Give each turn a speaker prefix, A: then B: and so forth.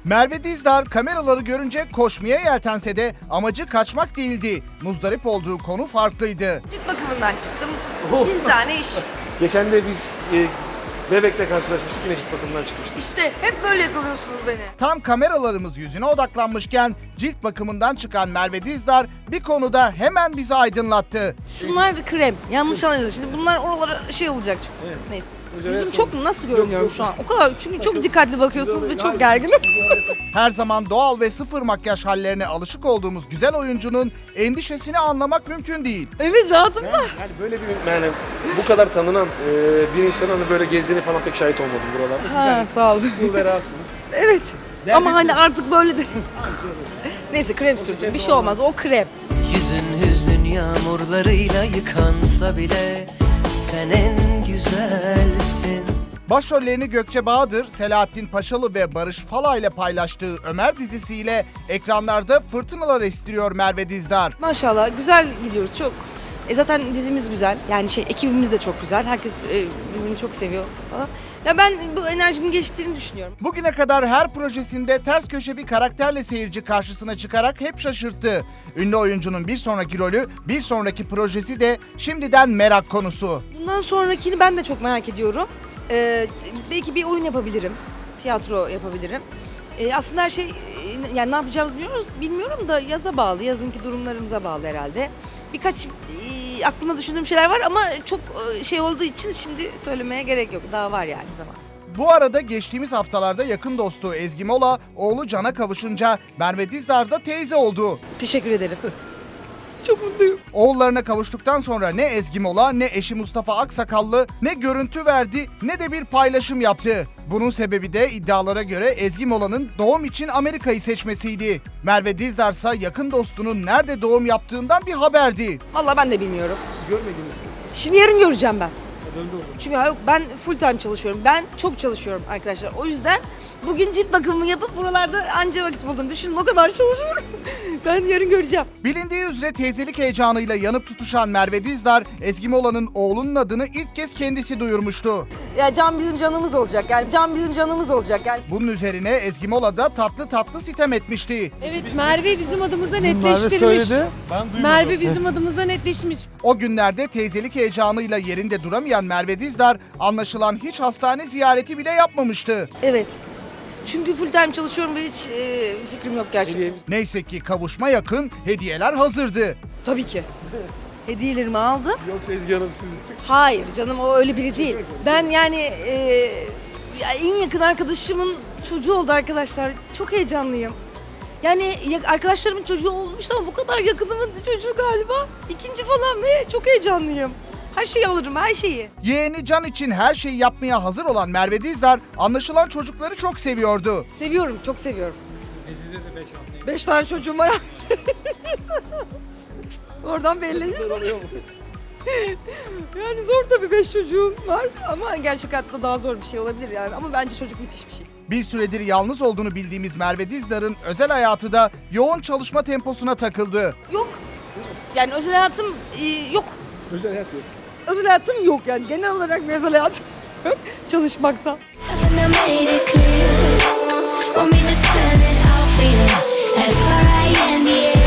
A: Merve Dizdar kameraları görünce koşmaya yeltense de amacı kaçmak değildi. Muzdarip olduğu konu farklıydı.
B: Cilt bakımından çıktım. 1000 tane iş.
C: Geçen de biz Bebek'te karşılaşmıştık, yine cilt bakımından çıkmıştık.
B: İşte hep böyle yakalıyorsunuz beni.
A: Tam kameralarımız yüzüne odaklanmışken cilt bakımından çıkan Merve Dizdar bir konuda hemen bizi aydınlattı.
B: Şunlar bir krem. Yanlış anladınız. Şimdi bunlar oralara şey olacak.
C: Evet.
B: Neyse.
C: Hocam,
B: Yüzüm
C: evet,
B: çok nasıl görünüyorum
C: yok.
B: şu an? O kadar çünkü çok dikkatli bakıyorsunuz ve çok gerginim.
A: Her zaman doğal ve sıfır makyaj hallerine alışık olduğumuz güzel oyuncunun endişesini anlamak mümkün değil.
B: Evet rahatım da.
C: Yani böyle yani bu kadar tanınan bir insanın hani böyle gezdiğini falan pek şahit olmadım buralarda. Siz
B: Ha,
C: yani
B: sağ olun.
C: cool ve rahatsınız.
B: Evet. Ama hani artık böyle de. Neyse krem sürdüm. Bir şey olmaz. O krem.
D: Yüzün hüznün yağmurlarıyla yıkansa bile sen en güzelsin.
A: Başrollerini Gökçe Bahadır, Selahattin Paşalı ve Barış Fala ile paylaştığı Ömer dizisiyle ekranlarda fırtınalar estiriyor Merve Dizdar.
B: Maşallah güzel gidiyoruz çok. Zaten dizimiz güzel. Yani ekibimiz de çok güzel. Herkes birbirini çok seviyor falan. Ya ben bu enerjinin geçtiğini düşünüyorum.
A: Bugüne kadar her projesinde ters köşe bir karakterle seyirci karşısına çıkarak hep şaşırttı. Ünlü oyuncunun bir sonraki rolü, bir sonraki projesi de şimdiden merak konusu.
B: Bundan sonrakini ben de çok merak ediyorum. Belki bir oyun yapabilirim. Tiyatro yapabilirim. Aslında her şey yani ne yapacağımızı bilmiyorum da yaza bağlı. Yazınki durumlarımıza bağlı herhalde. Birkaç aklımda düşündüğüm şeyler var ama çok şey olduğu için şimdi söylemeye gerek yok. Daha var yani zaman.
A: Bu arada geçtiğimiz haftalarda yakın dostu Ezgi Mola, oğlu Can'a kavuşunca Merve Dizdar da teyze oldu.
B: Teşekkür ederim. Çok mutluyum.
A: Oğullarına kavuştuktan sonra ne Ezgi Mola ne eşi Mustafa Aksakallı ne görüntü verdi ne de bir paylaşım yaptı. Bunun sebebi de iddialara göre Ezgi Mola'nın doğum için Amerika'yı seçmesiydi. Merve Dizdar ise yakın dostunun nerede doğum yaptığından bir haberdi.
B: Vallahi ben de bilmiyorum.
C: Siz görmediniz mi?
B: Şimdi yarın göreceğim ben.
C: Döndü o zaman.
B: Çünkü yok ben full time çalışıyorum. Ben çok çalışıyorum arkadaşlar. O yüzden bugün cilt bakımımı yapıp buralarda anca vakit buldum. Düşünün o kadar çalışıyorum. Ben yarın göreceğim.
A: Bilindiği üzere teyzelik heyecanıyla yanıp tutuşan Merve Dizdar, Ezgi Mola'nın oğlunun adını ilk kez kendisi duyurmuştu.
B: Ya Can bizim canımız olacak. Yani Can bizim canımız olacak. Yani
A: Bunun üzerine Ezgi Mola da tatlı tatlı sitem etmişti.
E: Evet Merve bizim adımıza netleştirmiş. Merve bizim adımıza netleşmiş.
A: O günlerde teyzelik heyecanıyla yerinde duramayan Merve Dizdar, anlaşılan hiç hastane ziyareti bile yapmamıştı.
B: evet. Çünkü full time çalışıyorum ve hiç fikrim yok gerçekten.
C: Hediyemiz.
A: Neyse ki kavuşma yakın, hediyeler hazırdı.
B: Tabii ki. Hediyelerimi aldım.
C: Yoksa Ezgi Hanım siz.
B: Hayır canım o öyle biri değil. Ben yani en yakın arkadaşımın çocuğu oldu arkadaşlar. Çok heyecanlıyım. Yani arkadaşlarımın çocuğu olmuştu ama bu kadar yakınımın çocuğu galiba. İkinci falan ve çok heyecanlıyım. Her şeyi alırım, her şeyi.
A: Yeğeni Can için her şeyi yapmaya hazır olan Merve Dizdar, anlaşılan çocukları çok seviyordu.
B: Seviyorum, çok seviyorum. 5 tane çocuğum var. Oradan belli işte. Yani zor tabii 5 çocuğum var ama gerçek hayatta daha zor bir şey olabilir yani. Ama bence çocuk müthiş bir şey.
A: Bir süredir yalnız olduğunu bildiğimiz Merve Dizdar'ın özel hayatı da yoğun çalışma temposuna takıldı.
B: Yok. Yani özel hayatım yok.
C: Özel hayat yok.
B: Özel hayatım yok yani. Genel olarak bir özel hayatım yok. Çalışmaktan.
F: Haven't I made it clear? Want me to spell it out for you? F-R-I-N-D-A